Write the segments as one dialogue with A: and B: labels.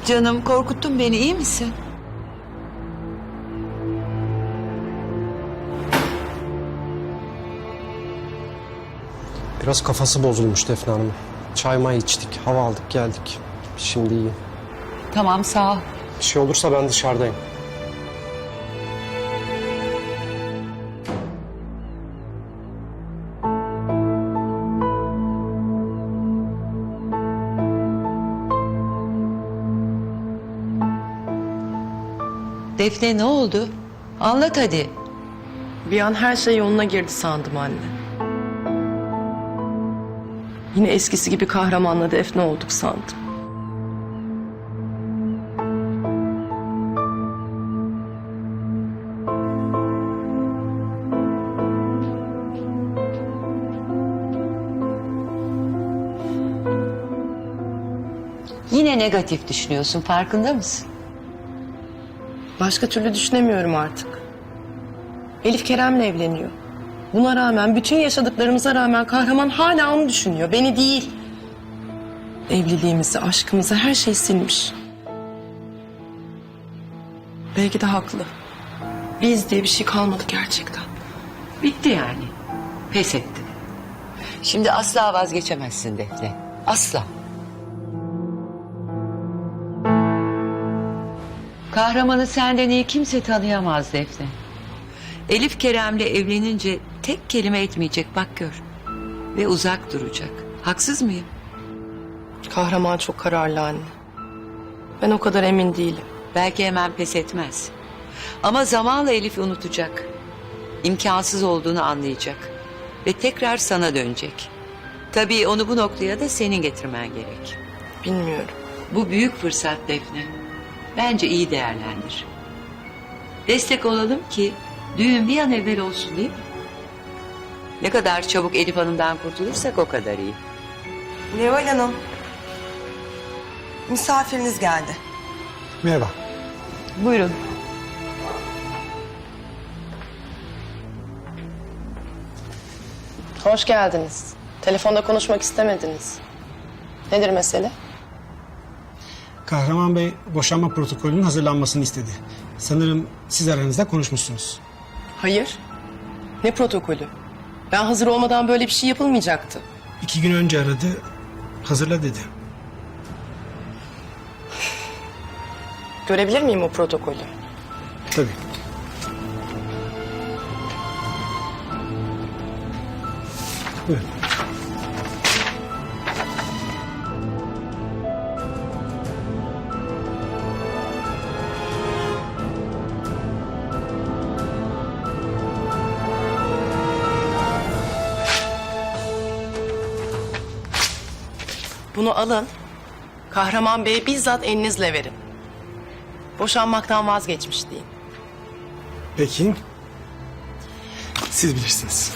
A: Canım, korkuttun beni, iyi misin?
B: Biraz kafası bozulmuş Defne Hanım. Çay may içtik, hava aldık geldik. Şimdi iyi.
A: Tamam, sağ ol.
B: Bir şey olursa ben dışarıdayım.
A: Defne, ne oldu? Anlat hadi.
C: Bir an her şey yoluna girdi sandım anne. Yine eskisi gibi kahramanla Defne olduk sandım.
A: Yine negatif düşünüyorsun, farkında mısın?
C: Başka türlü düşünemiyorum artık. Elif Kerem'le evleniyor. Buna rağmen, bütün yaşadıklarımıza rağmen kahraman hala onu düşünüyor, beni değil. Evliliğimizi, aşkımızı, her şey silmiş. Belki de haklı. Biz diye bir şey kalmadı gerçekten.
A: Bitti yani. Pes ettin. Şimdi asla vazgeçemezsin Defne. Asla. Kahramanı senden iyi kimse tanıyamaz Defne. Elif Kerem'le evlenince tek kelime etmeyecek, bak gör. Ve uzak duracak. Haksız mıyım?
C: Kahraman çok kararlı anne. Ben o kadar emin değilim.
A: Belki hemen pes etmez. Ama zamanla Elif'i unutacak. İmkansız olduğunu anlayacak. Ve tekrar sana dönecek. Tabii onu bu noktaya da senin getirmen gerek.
C: Bilmiyorum.
A: Bu büyük fırsat Defne. Bence iyi değerlendir. Destek olalım ki düğün bir an evvel olsun, değil mi? Ne kadar çabuk Elif Hanım'dan kurtulursak o kadar iyi.
D: Neval Hanım, misafiriniz geldi.
B: Merhaba.
A: Buyurun.
C: Hoş geldiniz. Telefonda konuşmak istemediniz. Nedir mesele?
E: Kahraman Bey boşanma protokolünün hazırlanmasını istedi. Sanırım siz aranızda konuşmuşsunuz.
C: Hayır. Ne protokolü? Ben hazır olmadan böyle bir şey yapılmayacaktı.
E: 2 gün önce aradı, hazırla dedi.
C: Görebilir miyim o protokolü?
E: Tabii. Buyurun.
C: Bunu alın. Kahraman Bey'e bizzat elinizle verin. Boşanmaktan vazgeçmiş deyin.
E: Peki. Siz bilirsiniz.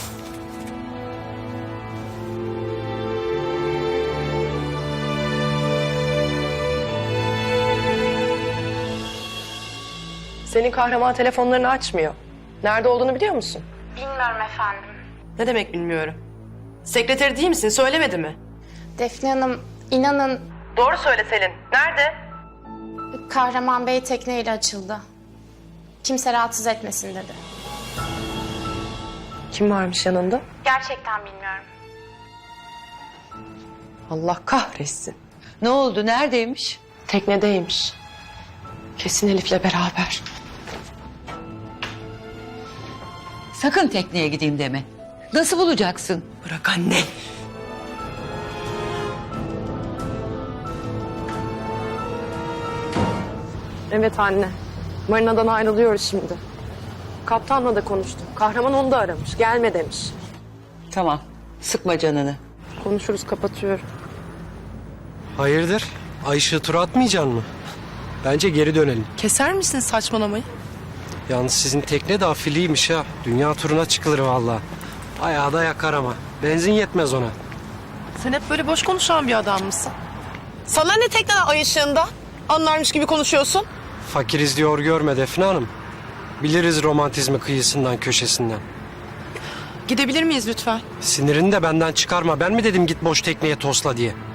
C: Senin kahraman telefonlarını açmıyor. Nerede olduğunu biliyor musun?
F: Bilmiyorum efendim.
C: Ne demek bilmiyorum. Sekreteri değil misin? Söylemedi mi?
F: Defne Hanım, inanın
C: Doğru söyle Selin. Nerede?
F: Kahraman Bey tekneyle açıldı. Kimse rahatsız etmesin dedi.
C: Kim varmış yanında?
F: Gerçekten bilmiyorum.
C: Allah kahretsin.
A: Ne oldu, neredeymiş?
C: Teknedeymiş. Kesin Elif'le beraber.
A: Sakın tekneye gideyim deme. Nasıl bulacaksın?
C: Bırak anne. Evet anne. Marinadan ayrılıyoruz şimdi. Kaptanla da konuştum. Kahraman onu da aramış. Gelme demiş.
A: Tamam, sıkma canını.
C: Konuşuruz, kapatıyorum.
B: Hayırdır? Ay ışığı tura atmayacaksın mı? Bence geri dönelim.
C: Keser misin saçmalamayı?
B: Yalnız sizin tekne de afiliymiş ha. Dünya turuna çıkılır vallahi. Ayağı da yakar ama. Benzin yetmez ona.
C: Sen hep böyle boş konuşan bir adam mısın? Sana ne tekneden ay ışığında? Anlarmış gibi konuşuyorsun.
B: Fakiriz diyor görme Defne Hanım. Biliriz romantizmi kıyısından köşesinden.
C: Gidebilir miyiz lütfen?
B: Sinirini de benden çıkarma. Ben mi dedim git boş tekneye tosla diye?